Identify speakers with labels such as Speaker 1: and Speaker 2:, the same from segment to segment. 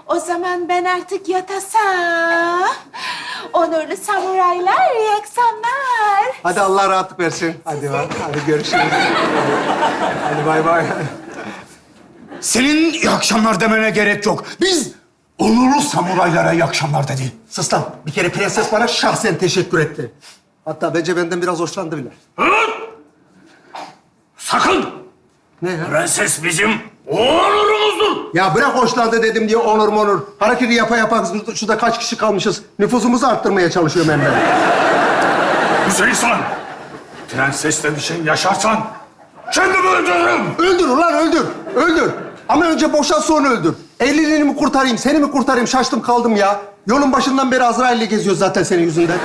Speaker 1: O zaman ben artık yatasam. Onurlu samuraylar, iyi akşamlar.
Speaker 2: Hadi Allah rahatlık versin. Hadi bak, hadi görüşürüz. Hadi bay bay.
Speaker 3: Senin iyi akşamlar demene gerek yok. Biz onurlu samuraylara iyi akşamlar dedi.
Speaker 2: Sus lan. Bir kere prenses bana şahsen teşekkür etti. Hatta bence benden biraz hoşlandı bile.
Speaker 3: Sakın!
Speaker 2: Ne ya?
Speaker 3: Prenses bizim onurumuzdur.
Speaker 2: Ya bırak hoşlandı dedim diye onur monur. Hareketi yapa yapa şurada kaç kişi kalmışız. Nüfusumuzu arttırmaya çalışıyorum ben de.
Speaker 3: Güzel insan. Prensesle bir şey yaşarsan kendimi öldürürüm.
Speaker 2: Öldür ulan öldür. Öldür. Ama önce boşalt sonra öldür. Evliliğini mi kurtarayım, seni mi kurtarayım? Şaştım kaldım ya. Yolun başından beri Azrail'le geziyoruz zaten senin yüzünden.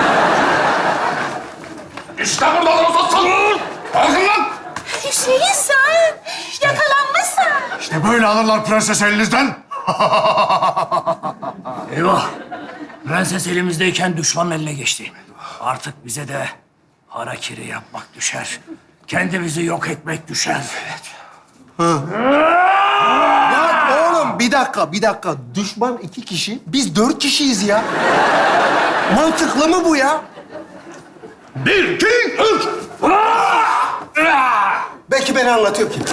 Speaker 3: İşte burada olsa salın. Kalkın lan.
Speaker 1: Hüseyin sen yakalanmışsın.
Speaker 3: İşte böyle alırlar prenses elinizden.
Speaker 4: Eyvah! Prenses elimizdeyken düşmanın eline geçti. Artık bize de harakiri yapmak düşer. Kendimizi yok etmek düşer.
Speaker 2: Ya oğlum bir dakika. Düşman 2 kişi, biz 4 kişiyiz ya. Mantıklı mı bu ya?
Speaker 3: 1, 2, 3.
Speaker 2: Belki ben anlatıyorum ki.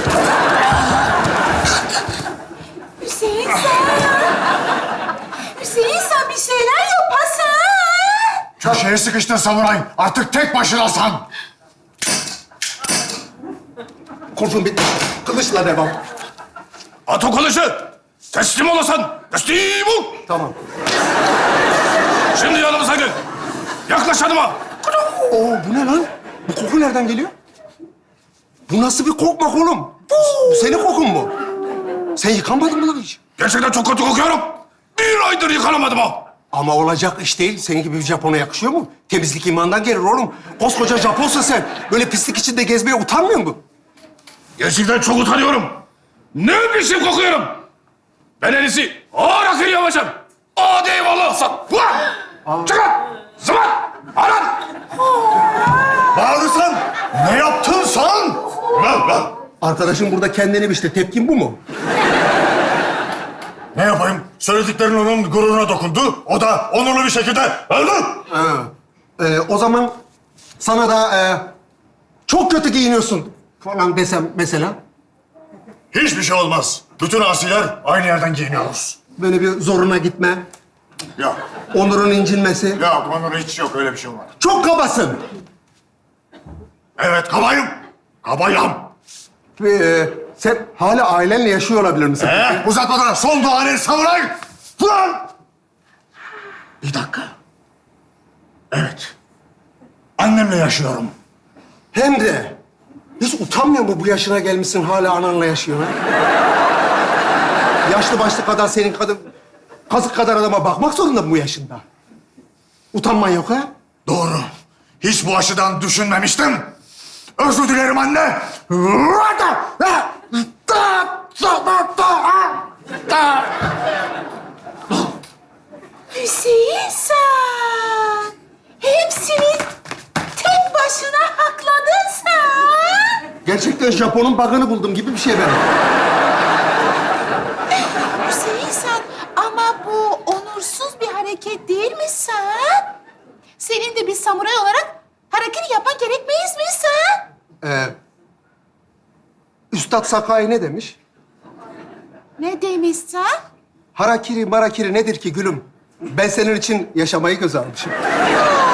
Speaker 1: Hüseyin sen. Hüseyin sen bir şeyler yapasın.
Speaker 3: Köşeye sıkıştın samuray. Artık tek başınasın.
Speaker 2: Kurşun bitti. Kılıçla devam.
Speaker 3: At o kılıcı. Teslim olasın. Teslim ol.
Speaker 2: Tamam.
Speaker 3: Şimdi yanımıza gel. Yaklaş yanıma.
Speaker 2: Oo bu ne lan? Bu koku nereden geliyor? Bu nasıl bir kokmak oğlum? Bu senin kokun mu? Sen yıkanmadın mı lan hiç?
Speaker 3: Gerçekten çok kötü kokuyorum. 1 aydır yıkanamadım ha.
Speaker 2: Ama olacak iş değil. Senin gibi bir Japon'a yakışıyor mu? Temizlik imandan gelir oğlum. Koskoca Japonsun sen. Böyle pislik içinde gezmeye utanmıyor musun?
Speaker 3: Gerçekten çok utanıyorum. Ne biçim kokuyorum. Ben en iyisi ağır akır yapacağım. Hadi eyvallah olsun. Çıkın. Zımat. Aran. Bağırırsan ne yaptın sen? Lan.
Speaker 2: Arkadaşım burada kendini biçti. Tepkin bu mu?
Speaker 3: Ne yapayım? Söylediklerin onun gururuna dokundu. O da onurlu bir şekilde öldü.
Speaker 2: O zaman sana da çok kötü giyiniyorsun falan desem mesela.
Speaker 3: Hiçbir şey olmaz. Bütün asiler aynı yerden giyiniyoruz.
Speaker 2: Böyle bir zoruna gitme,
Speaker 3: Yok.
Speaker 2: onurun incinmesi.
Speaker 3: Yok, onurun hiç yok. Öyle bir şey olmaz.
Speaker 2: Çok kabasın.
Speaker 3: Evet, kabayım. Kabayım.
Speaker 2: Sen hala ailenle yaşıyor olabilir misin?
Speaker 3: Uzatmadan son duanı samuray. Ulan! Bir dakika. Evet. Annemle yaşıyorum.
Speaker 2: Hem de hiç utanmıyor mu bu yaşına gelmişsin hala ananla yaşıyorsun? Ha? Yaşlı başlı kadar senin kazık kadar adama bakmak zorunda mı bu yaşında? Utanman yok ha?
Speaker 3: Doğru. Hiç bu açıdan düşünmemiştim. Özür dilerim anne.
Speaker 1: Hüseyin sen. Hepsini tek başına hakladın sen.
Speaker 2: Gerçekten Japon'un bug'ını buldum gibi bir şey ben.
Speaker 1: Hüseyin sen ama bu onursuz bir hareket değil mi sen? Senin de bir samuray olarak hareket yapman gerekmeyiz mi sen?
Speaker 2: Üstad Sakai ne demiş?
Speaker 1: Ne demiş sen?
Speaker 2: Harakiri marakiri nedir ki gülüm? Ben senin için yaşamayı göze almışım.